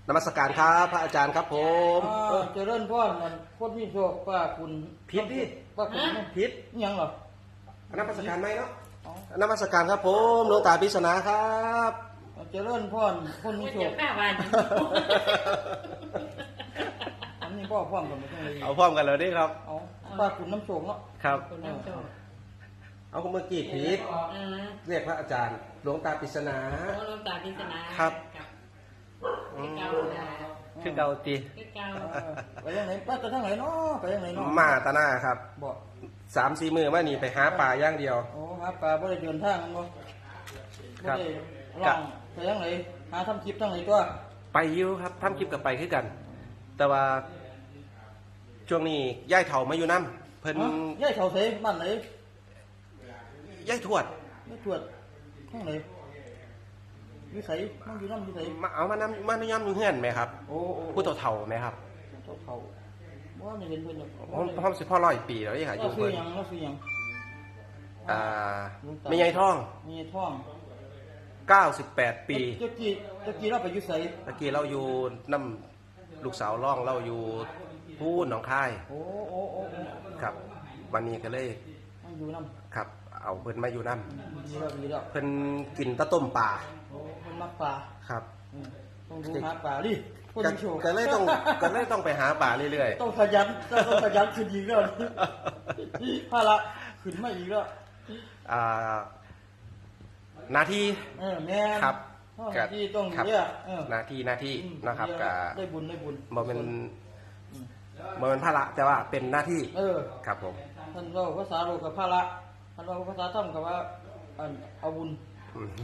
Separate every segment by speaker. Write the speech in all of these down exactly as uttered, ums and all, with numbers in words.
Speaker 1: นมัสการครับพระอาจารย์ครับผม
Speaker 2: เออเจริญพรมันคนมีโชคป้าคุณ
Speaker 1: ผิดดิ
Speaker 2: ป้าคุณ
Speaker 1: ผิด
Speaker 2: ยังเหรอน
Speaker 1: มัสการไหมเนาะ
Speaker 2: อ๋อน
Speaker 1: มัสการครับผมหลวงตาพิษณาครับ
Speaker 2: เจริญพรคนมีโชค
Speaker 3: เจ้าบ้าน
Speaker 2: อันนี้พ่อพ่อมกันไม่ต้องเลย
Speaker 1: เอาพร้อมกันเลยดิครับ
Speaker 2: เอาป้าคุณน้ำโชคเนาะ
Speaker 1: ครับ
Speaker 3: คนน้ำโชค
Speaker 1: เอาเมื่อกี้ผิด
Speaker 3: เออ
Speaker 1: เรียกพระอาจารย์หลวงตาพิษณา
Speaker 3: โอ้ลงตาพิศนา
Speaker 1: ครับ
Speaker 3: คือเก่านะ
Speaker 1: คือเกาตี
Speaker 3: คือเก่า
Speaker 2: เออไปยังไหนป้าจะทั้งไหนเนาะไปยังไหนเนาะ
Speaker 1: มาตาหน้าครับ
Speaker 2: บอก
Speaker 1: สามสี่มือมานี่ไปหาป่าอย่างเดียว
Speaker 2: โอ้หาปลาบ่ได้เดินทางบ่
Speaker 1: ครั
Speaker 2: บ่
Speaker 1: บ
Speaker 2: ได้ล่องไปยังไหนหาทำคลิปทั้งไหนตัว
Speaker 1: ไปอยู่ครับทำคลิปกับไปคือกัน แต่ว่าช่วงนี้ย่ายเถามาอยู่น้ำเพิ่น
Speaker 2: ฮะย่ายเขาเสบ้านไหน
Speaker 1: ย่ายทวด
Speaker 2: ไม่ตรวจทั้งไหนวิสัยมันอยู่น้ำวิสัย
Speaker 1: มาเอามาน้ำมาในย่ำอยู่เฮือนไหมครับ
Speaker 2: โอ้โอ้
Speaker 1: ผู้เฒ่าเฒ่าไหมครับ
Speaker 2: เจ้าเขาว่าไม่เห็นเพิ่นหรอก
Speaker 1: พร้อมพร้อมสิพ่อร้อยปีแล้วยังหาอ
Speaker 2: เรา
Speaker 1: ยู่
Speaker 2: ซื้อ
Speaker 1: เพิ่น
Speaker 2: หยังเราซื้อหยัง
Speaker 1: อ่าไม่ใหญ่ท่อง
Speaker 2: มีท่อง
Speaker 1: เก้าสิบแปดปี
Speaker 2: เจ้ากี้เจ้ากี้เราไปอยุไส
Speaker 1: ตะกี้เราอยู่น้ำลูกสาวร่องเราอยู่พูนหนองคาย
Speaker 2: โอ้โอ้โอ้โอ้
Speaker 1: ครับ วันนี้ก็เลย
Speaker 2: มันอยู่น้
Speaker 1: ครับ เอาเพิ่นมาอยู่น้
Speaker 2: ำดีแล้วดีแล้ว
Speaker 1: ำเพิ่นกินตะต้มป่า
Speaker 2: โอ้มันมักปลา
Speaker 1: ครับ
Speaker 2: อืมต้องดูหาปลาดิคน
Speaker 1: ก็
Speaker 2: มีโชค
Speaker 1: ก็เลยต้องก็เลยต้องไปหาป่าเรื่อย
Speaker 2: ต้องขยันต้องขยันขึ้นอีกแล้วภาระขึ้นมาอีกแล้ว
Speaker 1: ๆอ่าหนาที
Speaker 2: เออแม่น
Speaker 1: ครับ
Speaker 2: พ่อหน้าที่ต้อง
Speaker 1: ครับ
Speaker 2: เรียกเออ
Speaker 1: หนาทีหนาที
Speaker 2: อืม
Speaker 1: นะครับ
Speaker 2: เรีย
Speaker 1: ก็
Speaker 2: ได้บุญได้บุญ
Speaker 1: บ่เป็นบ่เป็นภาระแต่ว่าเป็นหน้าที่
Speaker 2: เออ
Speaker 1: ครับผม
Speaker 2: ท่านว่าภาษาโลกกับภาระท่านว่าภาษาธรรมกับว่าอันเอาบุญ
Speaker 1: อืม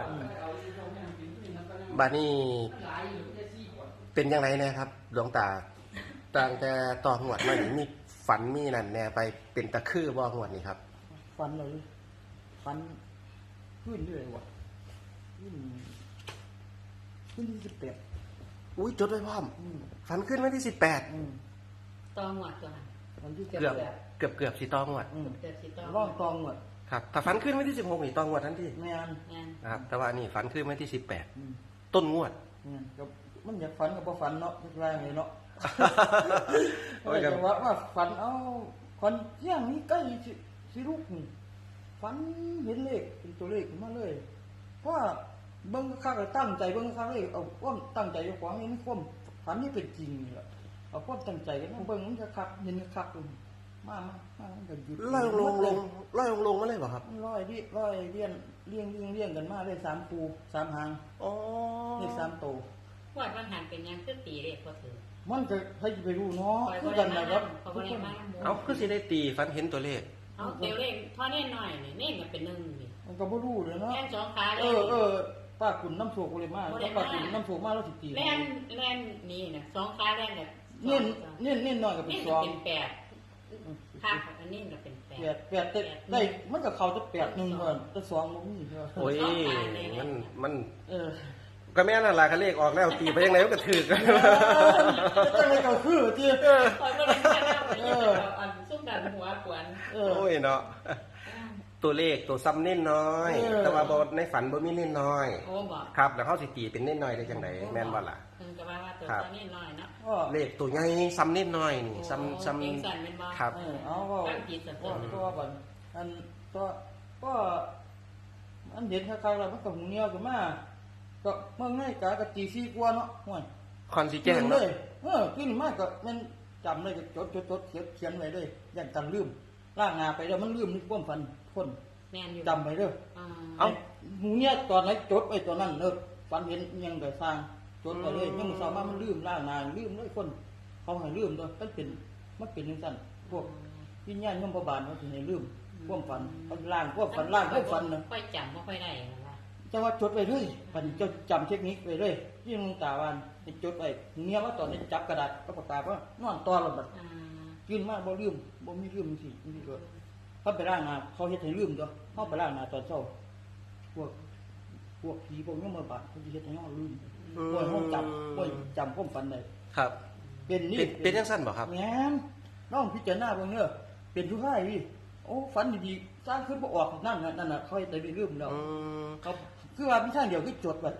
Speaker 1: บัดนี้เป็นยังไงนะครับ หลวงตาตั้งแต่ต่อหวดมานี่มีฝันมีนั่นแน่ไปเป็นตะคือบ่หวดนี่ครับ
Speaker 2: ฟันเลยฟันขึ้นเรื่อยว่ะขึ้นขึ้นที่สิบแปด
Speaker 1: อุ้ยจดไว้พร้อม
Speaker 2: อืม
Speaker 1: ฝันขึ้นวันที่สิบแปด
Speaker 2: อืม
Speaker 3: ตองหวัดตัวหัน
Speaker 2: วันที่
Speaker 1: เกื
Speaker 2: เกื
Speaker 1: อบเกือบเกือบสิตองหวด
Speaker 2: อืม
Speaker 3: เกิดสิตอง
Speaker 2: ร่องตองหมด
Speaker 1: ครับถ้าฝันขึ้นวันที่สิบหกนี่ตองหวดทันที
Speaker 2: แม่น
Speaker 3: งาน
Speaker 1: นะครับแต่ว่านี่ฝันขึ้นวันที่สิบแปด
Speaker 2: อืม
Speaker 1: ต้นงวด
Speaker 2: แม่นก็มันอยากฝันกับพอฝันเนาะไม่ใช่ไงเนาะ
Speaker 1: โอ้
Speaker 2: ก็
Speaker 1: ยครับ
Speaker 2: จะว่าว่าฝันเอาฝันเที่ยงนี้ใกล้สิสิลูกนี่ฝันเห็นเลขเป็นตัวเลขขึ้นมาเลย เพราะว่าเบิ่งคักๆตั้งใจเบิ่งคักๆเลยเอาความตั้งใจอยู่ของนี่ความฝันนี่เป็นจริงนี่แหละเอาความตั้งใจกันเบิ่งมันจะคักเห็นคักๆเลยมามามามันก็หยุด
Speaker 1: ลอยลงลงลอยลงลงมาเลยเปล่ะครับ
Speaker 2: มันร้อยดิร้อยเลี้ยนเลี้ยงเลี้ยงเลี้ยงกันมาเลยสามปูสามหาง
Speaker 1: อ๋อ
Speaker 2: เลขสามโตว
Speaker 3: หวัดบางหันเป็นยังคือตีเรียกพอถือ
Speaker 2: มันก็ให้ไปรู้เนาะ
Speaker 3: คอย
Speaker 2: คื
Speaker 3: บ่
Speaker 2: อ
Speaker 3: ได้
Speaker 2: กัน
Speaker 3: มา
Speaker 2: นะครับ
Speaker 3: เขา
Speaker 2: ทุ
Speaker 3: บ่
Speaker 2: ก
Speaker 3: ได้
Speaker 2: คน
Speaker 3: มา
Speaker 1: เอาคือสิได้ตีฝันเห็นตัวเลข
Speaker 3: เอาเดี๋ยวเลขพอเน่นหน่อยนี่เน่นมันเป็นหนึ่งนี่
Speaker 2: มันก็บ่รู้เลยเนาะ
Speaker 3: แล่นสองขาเล
Speaker 2: เอย อเออป้าขุนน้ำโชกเลยมากแล้วป้าขุนน้ำโชกมากแล้วสิตี
Speaker 3: แล่นแล่นนี่นะสองขาแล่นแบบ
Speaker 2: เน้นเน้นเน้นหน่อยก็เป็
Speaker 3: เน่
Speaker 2: น
Speaker 3: น
Speaker 2: สอง
Speaker 3: เป็นแปดขาอันนี้ก็เป็นแป
Speaker 2: แป
Speaker 3: ด
Speaker 2: ดแปดได้ได้มันก็เข้าจะแปดหนึ่งก่อนแต่สองบ่มีเนาะ
Speaker 1: โอ้ยมันมัน
Speaker 2: เออ
Speaker 1: ก็แม่นั่นล่ะก็เลขออกแล้วตีไปยังไงมันก็ถือกัน
Speaker 2: จังได๋ก็คือที่
Speaker 3: คอยบ่ได้มาแล้วไปเอาอันซุ่มกันหัวขวน
Speaker 2: เออ
Speaker 1: โอ้ยเนาะตัวเลขตัวซ้ำเน้นน้อย
Speaker 2: เออ
Speaker 1: แต่ว่าบ่ในฝันบ่มีเน้นน้อย
Speaker 3: โอ้บอก
Speaker 1: ครับ แล้วเขาสิตีเป็นเน้นน้อยได้จังไดแม่นบ่ล่ะ
Speaker 3: เพิ่นก็ว่าว่าตัวเน่นหน่อยเนาะ
Speaker 2: ก็
Speaker 1: เลขตัวใหญ่ซ้ำเน้นน้อยนี่ซ้ำซ้
Speaker 3: เองสั่นเป็นบ่
Speaker 1: ำครับ
Speaker 2: เออเอาก็
Speaker 3: ตั้งจิตสัตว์
Speaker 2: ก็ก็ว่าก่อนอันก็ก็อันเห็นคล้ายๆแล้วมันก็หูเหนียวขึ้นมาก็เมื่อไงกะกะตีซี่กว่าเนาะห่วย
Speaker 1: คอนสิแจ้ง
Speaker 2: เล
Speaker 1: เนาะ
Speaker 2: ยเออขึ้นมากก็มันจำเลยก็จดจดจดเขียนเขียนไว้เลยอย่างกันลืมล่างงาไปแล้วมันลืมนี่ความฝันคน
Speaker 3: แม่นอยู่
Speaker 2: จำไปเด้อ
Speaker 3: อ่า
Speaker 1: เอ้า
Speaker 2: หูเนี่ยตอนไหนจดไว้ตอนนั้นเด้อฝันเห็นอิหยังก็สร้างจดไปเลยยังมือสาวมามันลืมล่างงาลืมเลยคน เขาให้ลืมด้วยมันเป็นมันเป็นจังซั่นพวกวิญญาณยมพบาลเขาสิให้ลืมความฝันเขาล่างความฝันล่างความฝันน่ะ
Speaker 3: ค่อยจำบ่ค่อยได้นะว่า
Speaker 2: จะว่าจดไว้เลยปันเจ้าจำเทคนิคไว้เลยที่หลวงตาว่าให้จดไว้เมียว่าตอนนี้จับกระดาษก็ประกาศว่านอนตอแล้วบัด
Speaker 3: อ่า
Speaker 2: กินมาบ่ลืมบ่มีลืมสินี่ก็เขาไปล้างหน้าเขาเฮ็ดให้ลืมตัวเขาไปล้างหน้าตอนเช้าพวกพวกผีพวกนี้มาบาดเขาสิเฮ็ดให้เราลืมป่วยห้องจำป่วยจำความฝันได้
Speaker 1: ครับ
Speaker 2: เป็นนี่
Speaker 1: เป็นเป็นจังซั่นบ่ครับ
Speaker 2: แม่นน้องพิจารณาเบิ่งเด้อเป็นผู้ให้พี่โอ้ฝันดีๆสร้างขึ้นบ่ออกนั่นน่ะนั่นน่ะเขาเฮ็ดให้ลืมแล้ว
Speaker 1: อืม
Speaker 2: เขาคือว่ามีทางเดียวคือจดไว้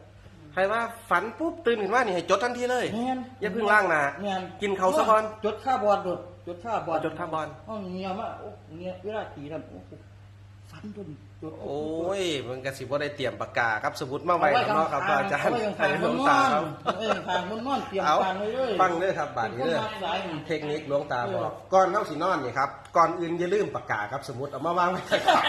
Speaker 1: ให้ว่าฝันปุ๊บตื่นขึ้นมานี่ให้จดทันทีเลย
Speaker 2: แม่น
Speaker 1: อย่าเพิ่งล้างหน้า
Speaker 2: แม่น
Speaker 1: กินเขาวซะก่อน
Speaker 2: จดค่าบอลโดดจดค่าบอล
Speaker 1: จดค่าบอล
Speaker 2: อ๋อเงียมาโอ้เงียเวลาตีทำโอ้โหฟันจนจด
Speaker 1: โอ้ยมันก็สิบ่ได้เตรียมปากกาครับสมุดมาไว้แล้วเนาะครับอาจารย์
Speaker 2: ให้
Speaker 1: ให้
Speaker 2: ห
Speaker 1: ห
Speaker 2: ล
Speaker 1: ล
Speaker 2: ว
Speaker 1: ว
Speaker 2: ง
Speaker 1: ง
Speaker 2: ตา
Speaker 1: ตา
Speaker 2: ค
Speaker 1: ค
Speaker 2: รั
Speaker 1: รั
Speaker 2: บบ เอ้ยทางมันนอนเตรียม
Speaker 1: เอา
Speaker 2: การไว้เลย
Speaker 1: ฟังเด้อครับบาดนี้เด้อ
Speaker 2: เป็นคนมาสายนี่
Speaker 1: เทคนิคหลวงตาบอกก่อนเฮาสินอนนี่ครับก่อนอื่นอย่าลืมปากกาครับสมุดเอามาวางไว้ใต้ขา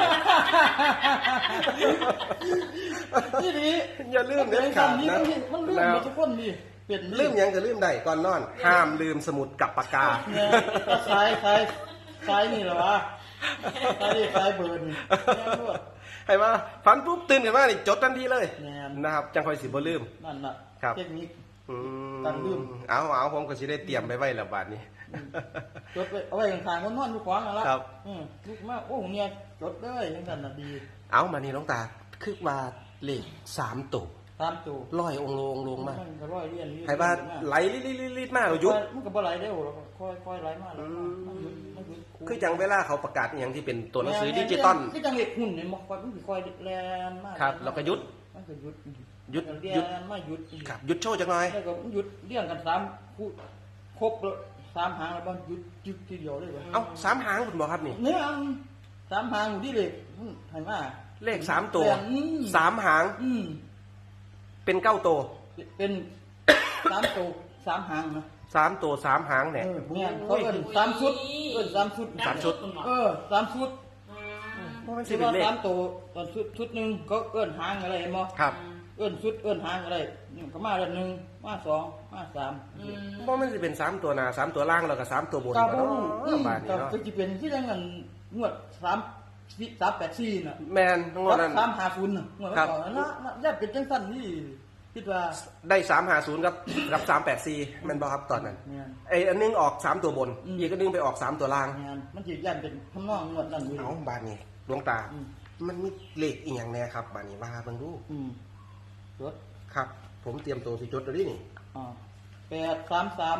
Speaker 2: นี่ดี
Speaker 1: อย่าลืมเด็ดขาดนะ
Speaker 2: มันลืมหมดทุกคนนี่เปลี่ยน
Speaker 1: ลืมหยังก็ลืมได้ก่อนนอน ห้ามลืมสมุดกับปากกา
Speaker 2: เนี่ยก็สายสายสายนี่เหรอวะสายนี่สายเบิร์นนี่แม่นด้วย
Speaker 1: ให้ว่าฝันปุ๊บตื่นขึ้นมานี่จดทันทีเลย
Speaker 2: แม่น
Speaker 1: นะครับจังค่อยสิบ่ลืม
Speaker 2: นั่นน่ะ
Speaker 1: ครับ
Speaker 2: เทคนิค
Speaker 1: อืม
Speaker 2: การลืม
Speaker 1: เอาเอาผมก็สิได้เตรียมไปไว้แล้วบาดนี้
Speaker 2: จดไปเอาไว้ข้างๆคนนอนอยู่ขวางนั่นละ
Speaker 1: ครับ
Speaker 2: อืมลุกมาโอ้เนี่ยจดเลยยังกันน่ะดี
Speaker 1: เอามานี่หลวงตาคือว่าเลขสามตัว
Speaker 2: ตามตัว
Speaker 1: ร้อยองค์ลงลงมา
Speaker 2: มันก็ร้อยเรียนเรียน
Speaker 1: ให้ว่าไหลลิดๆๆๆมากหยุด
Speaker 2: มันก็บ่ไหลเร็วแล้วก็ค่อยๆไหลมาแล้ว
Speaker 1: อืม
Speaker 2: มันหยุดมันหยุด
Speaker 1: คือจังเวลาเขาประกาศอหย่างที่เป็นตัวหนังสือดิจิตอล
Speaker 2: คือจังเล็กหุ่นเนี่ยมันค่อยมันสิค่อยแลนมาก
Speaker 1: ครับแล้วก็หยุด
Speaker 2: มันก็หยุด
Speaker 1: หยุด
Speaker 2: เรีย
Speaker 1: หยุด
Speaker 2: นมาหยุด
Speaker 1: ครับหยุดโชว์จังหน่อย
Speaker 2: แล้วก็หยุดเรียงกันสามคู่ครบแล้วสามหางแล้วมันหยุดหยุดทีเดียวเลยว่ะ
Speaker 1: เอ้าสามหางคุณบอกครับนี่
Speaker 2: เนี่ยอันสามหางอยู่ที่เล็กมันให้มา
Speaker 1: เลขสามตัว
Speaker 2: อืม
Speaker 1: สามหาง
Speaker 2: อืม
Speaker 1: เป็นเก้าตัว
Speaker 2: เป็นสามตัวสามหางนะ
Speaker 1: สามตัวสามหางเนี่ย
Speaker 2: เออเนี่ยเขาเอิ้นสามชุดเอิ้นสามชุด
Speaker 1: สามชุด
Speaker 2: เออสามชุด
Speaker 1: เพราะมันสิ
Speaker 2: ที่
Speaker 1: เป็น
Speaker 2: ว่า
Speaker 1: เลข
Speaker 2: สามตัวตอนชุดชุดหนึ่งก็เอิ้นหางอะไรเห็นบ่
Speaker 1: ครับ
Speaker 2: เอิ้นชุดเอิ้นหางอะไรนี่ก็มาแล้วหนึ่งมาสองมาสาม
Speaker 1: เพราะมันจะเป็นสามตัวหน้าสามตัวล่างแล้วก็สามตัวบน
Speaker 2: กา
Speaker 1: ก็
Speaker 2: บู
Speaker 1: เนาะบาดนี้
Speaker 2: ก็
Speaker 1: เนาะ
Speaker 2: จะเป็นที่ยังเงินงวดสามสามแปดสี่น่ะ
Speaker 1: แมนทั้งหมดนั้น
Speaker 2: สามหาศูนย์น่ะงวด
Speaker 1: ครับ
Speaker 2: ก่อนนะนะย่าเป็นจังสั้นนี่คิดว่า
Speaker 1: ได้สามหาศูนย์กับกับสามแปดสี่แมันบอครับตอนนั้น
Speaker 2: เนี่ย
Speaker 1: ไอ้อันนึงออกสามตัวบน
Speaker 2: อืม
Speaker 1: อีกอันนึงไปออกสามตัวล่าง
Speaker 2: งานมันจะย่านเป็นทำนองงวดนั่นอยู่
Speaker 1: เอาบานนี้ดวงตา
Speaker 2: อืม
Speaker 1: มันมีเลขอีกอย่างแน่ครับบานนี้ว่าเบิ่งดู
Speaker 2: อืมรถ
Speaker 1: ครับ ผมเตรียมตัวสิจดตัวนี้นี่
Speaker 2: อ่าแปดสามสาม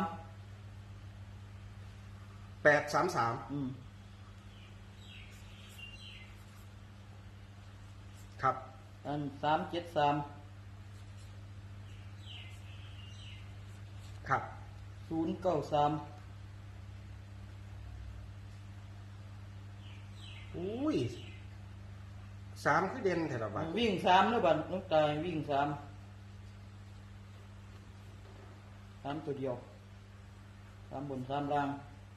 Speaker 1: แปดสามสาม
Speaker 2: อืม
Speaker 1: ครับ
Speaker 2: อันสามเจ็ดสาม
Speaker 1: ครับ
Speaker 2: ศูนย์เก้าสาม
Speaker 1: อุ้ยสามคือเด่นแถวบ้าน
Speaker 2: วิ่งสามแล้วบัดน้องตายวิ่งสามสามตัวเดียวสามบนสามล่าง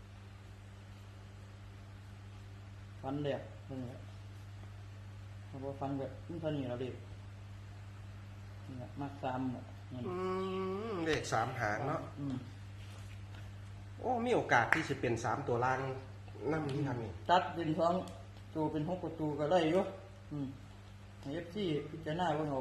Speaker 2: ฟันแหลกนี่แหละเพราะว่าฟันแบบมันเท่านี้เราเด็กนี่แหละมากสามหมดนี่
Speaker 1: อืมเลขสามหางเนาะ
Speaker 2: อืม
Speaker 1: โอ้มีโอกาสที่จะเป็นสามตัวล่างนั่นนี่ครับนี่
Speaker 2: ตัดเป็นสองตัวเป็นหกประตูก็ได้อยู่อืมเอฟซีพิจารณาว่าเอา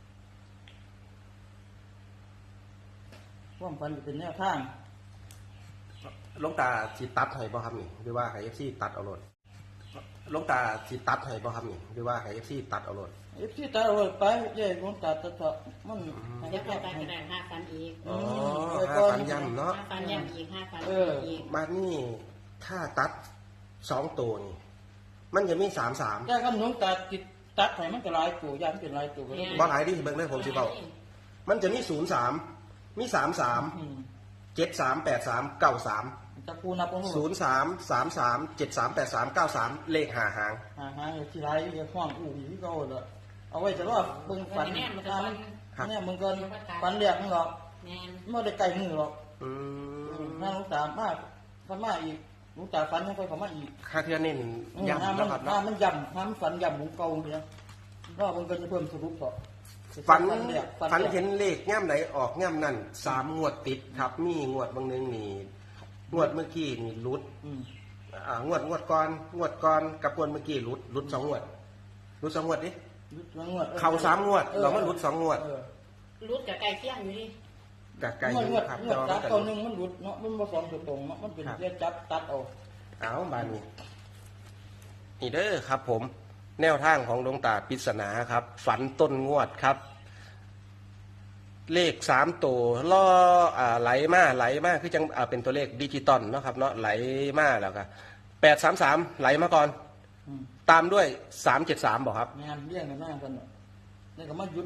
Speaker 2: ว่ามฟันจะเป็นแนวทาง
Speaker 1: หลวงตาสิตัดให้บ่ครับนี่หรือว่าให้ เอฟ ซี ตัดเอาโลดหลวงตาสิตัดให้บ่ครับนี่หรือว่าให้ เอฟ ซี ตัดเอาโลด
Speaker 2: เอฟซีตาเอาไปเย่ของตาตะเถาะมัน
Speaker 3: เดี๋ยวไปไปกระดาษห้าฟันอีก
Speaker 1: อ๋อ
Speaker 2: ม
Speaker 1: ห้าฟันย่ำเนาะ
Speaker 3: ห้าฟันย่ำอีกห้าฟัน
Speaker 2: เออ
Speaker 3: อีก
Speaker 1: มานี่ถ้าตัดสองตัวนี่ มันจะมีสามสาม
Speaker 2: แค่คำนวณตาติดตัดให้มันก็หลายตัวอย่างเป็นหลายตัวก็ได้
Speaker 1: บ่หลายที่เบิ่งได้ผมสิเบามันจะมีศูนย์สามมีสามสาม
Speaker 2: อืม
Speaker 1: เจ็ดสามแปดสามเก้าสาม
Speaker 2: ตะกูนับของ
Speaker 1: ศูนย์สามสามสามเจ็ดสามแปดสามเก้าสามเลขหาหาง
Speaker 2: หาหาอยู่ที่ไรอยู่ห้องอู่อยู่ที่เขาเลยเอาไว้จะรอเบิ่งฝัน
Speaker 3: แน่มัน
Speaker 2: อ่า
Speaker 3: จะ
Speaker 2: มัน
Speaker 1: ครับ
Speaker 2: เนี่ยมึงก็ฝันเรียกมึงหรอก
Speaker 3: แน่น
Speaker 2: ไม่ได้ไกลมือหรอก
Speaker 1: อืม
Speaker 2: ถ้าลูกสาวมากฝันมากอีกลูกสาวฝันยังค่อยฝันมากอีก
Speaker 1: ค่าเทือนนี่
Speaker 2: อืม
Speaker 1: ย้ำ
Speaker 2: ถ้ามั
Speaker 1: นะ
Speaker 2: น
Speaker 1: ครับ
Speaker 2: ถ้า
Speaker 1: เนาะ
Speaker 2: มันย่ำถ้ามันฝันย่ำหมูเก่าเนี่ยรอบมันก็จะเพิ่มสรุปต่อ
Speaker 1: ฝัน
Speaker 2: เรียก
Speaker 1: ฝัน
Speaker 2: รียก
Speaker 1: เห็นเลขย่ำไหนออกย่ำนั่นสามงวดติดครับ มีงวดบางหนึงนี่งวดเมื่อกี้นี่รุด
Speaker 2: อืม
Speaker 1: อ่างวดงวดก่อนงวดก่อนกับงวดเมื่อกี้รุดรุดสองงวดรุดสองงวดดิ
Speaker 2: รุดสองงวดออ
Speaker 1: เข่าสามงวด
Speaker 2: ออ
Speaker 1: เรามันรุดสองงวด
Speaker 2: เออ
Speaker 3: รุดกับไก่เที่ยงอยู่ดิ
Speaker 1: กับไก่
Speaker 2: งวด
Speaker 1: อยู่
Speaker 2: งวด
Speaker 1: ครับ
Speaker 2: งวด
Speaker 1: แต่
Speaker 2: ตัด
Speaker 1: ว่า
Speaker 2: ตัวหนึงมันรุดเนาะมันผสมตัวตรงเนาะมันเป็นเรียกจับตัดเอา
Speaker 1: เอาบานนี้นี่เด้อครับ ผม แนวทางของดวงตาปริศนาครับ ฝันต้นงวดครับ เลขสามตัวล่ออ่าไหลมาไหลมาคือจังอ่าเป็นตัวเลขดิจิตอลเนาะครับเนาะไหลมาแล้วก็แปดสามสามไหลมาก่อน
Speaker 2: อืม
Speaker 1: ตามด้วยสามเจ็ดสามบอกครับ
Speaker 2: งานเลี้ยงกันหน้ากันเนาะนี่ก็มาหยุดพอ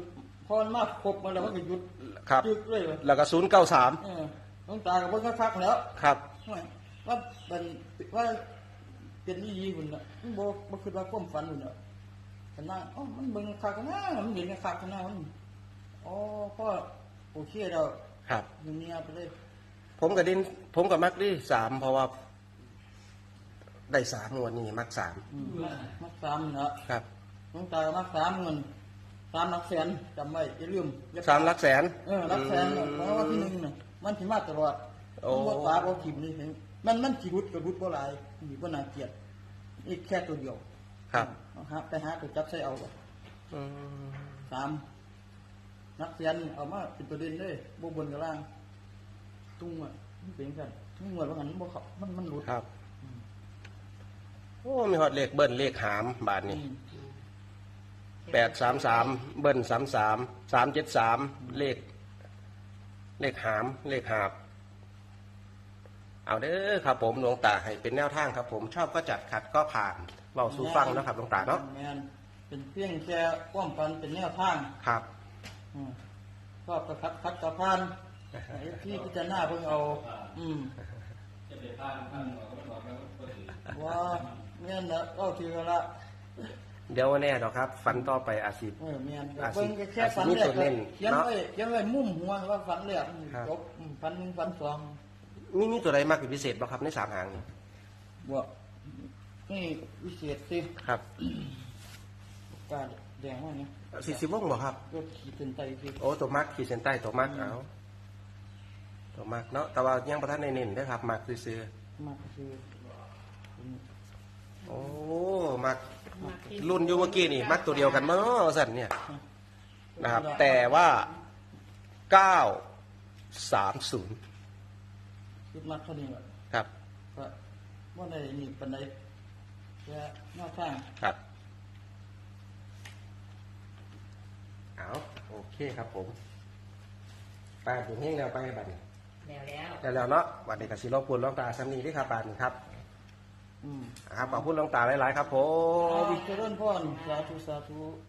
Speaker 2: อมันมาครบมาแล้วมันก็หยุด
Speaker 1: ครับ
Speaker 2: หยุดเลยว่ะ
Speaker 1: แล้วก็ศูนย์เก้าสาม
Speaker 2: เออหลวงตาก็เบิ่งคักๆแล้ว
Speaker 1: ครับ
Speaker 2: ว่าเป็นว่าเป็นอีหลีหุ่นน่ะมันบ่บ่คิดว่าความฝันหุ่นน่ะก็นั่งอ๋อมันเบิ่งคักกันนะมันเห็นคักกันนะมันอ๋อพ่อโอเคแล้ว
Speaker 1: ครับ
Speaker 2: อย่างนี้ไปเลย
Speaker 1: ผมกับดิน ผมกับมักดิสามเพราะว่า ได้สามงวดนี้มักสาม
Speaker 2: อืมมักสามเนาะ
Speaker 1: ครับ
Speaker 2: หลวงตาก็มักสามเงินสามหลักแสนจำไว้อย่าลืมอย่
Speaker 1: สามหลักแสน
Speaker 2: เออหลักแสนเนี่ยเพราะว่าที่หนึ่งน่ะมันสิมาตลอด
Speaker 1: โอ้
Speaker 2: มันบ่ปาบ่ทิ่มนี่ถึงมันมันสิรุดก็รุดบ่หลายนี่บ่น่าเกลียดอีกแค่ตัวเดียว
Speaker 1: ครับ
Speaker 2: เอาหาไปหาตัวจับใส่เอาก่อน
Speaker 1: อืม
Speaker 2: สามนักเรียนเอามาเป็นประเด็นเลยบ่บนกับล่างตุ้งอ่ะมันเป็นกันทุ่งหมดว่างั้นมันบ่เข้ามันมันหลุด
Speaker 1: ครับ โอ้ มีฮอดเลขเบิ้ลเลขหามบาท
Speaker 2: อื
Speaker 1: นี่
Speaker 2: ม
Speaker 1: แปดสามสามเบิ้ลสามสามสามเจ็ดสามเลข เลขหาม เลขหาบ เอาเด้อครับผมหลวงตาให้เป็นแนวทางครับ ผมชอบก็จัดขัดก็ผ่านเบาสู่ฟังนะครับหลวงตาเนาะ
Speaker 2: แม่นเป็นเพียงแค่ความฝันเป็นแนวทาง
Speaker 1: ครับ
Speaker 2: อืมชอบก็คัดคัดกับพานไอ้ที่พิจารณาเพิ่งเอา อืมว่าแม่นนะเอาทีละ
Speaker 1: เดี๋ยวแน่ดอกครับ ฝันต่อไปอาชีพ
Speaker 2: เออแม่น
Speaker 1: อาจสิ
Speaker 2: เบิ่งแค่ฝัน
Speaker 1: อาจสิมี
Speaker 2: แร
Speaker 1: ตั
Speaker 2: ก
Speaker 1: วเน้น
Speaker 2: เขียน
Speaker 1: เนาะ
Speaker 2: ไว้เขียนไว้มุมหัวว่าฝันแรก
Speaker 1: ครับ
Speaker 2: จบอืมฝันหนึ่งฝันสอง
Speaker 1: มีมีตัวใดมากเป็นพิเศษบ้างครับในสามหางนี่
Speaker 2: บวกนี่วิเศษสิ
Speaker 1: ครับ
Speaker 2: การแดงว่าไง
Speaker 1: สี่สิบวงบอกครับ
Speaker 2: ก็ขีดเส้นใต้สิ
Speaker 1: โอ้ตัวมักขีดเส้นใต้ตัวมักเอาตัวมักเนาะแต่ว่ายังประทันในเน้นได้อครับมักซื้อ
Speaker 2: มากคือ
Speaker 1: ๆโอ้มักรุ่นอยู่เมื่อกี้นี่มักตัวเดียวกันมั้งเนาะสันเนี่ยนะครับ แต่ว่าเก้าสามศูนย์
Speaker 2: คิดมากเท่านี้แหละ
Speaker 1: ครับ
Speaker 2: ก็ว่าในนี่ปันใดแค่หน้าทาง
Speaker 1: ครับเอาโอเคครับผมไปถึงเฮงแล้วไปบัดนี้
Speaker 3: แล้วแล้ว
Speaker 1: แล้วแล้วเนาะวันนี้กับสิรบกวนหลวงตาซ้ำนี้ที่ครับบาดนี้ครับ
Speaker 2: อืม
Speaker 1: ครับขอบคุณหลวงตาหลายๆครับผ
Speaker 2: เอา
Speaker 1: ม
Speaker 2: วิเจริญพรสาธุสาธุ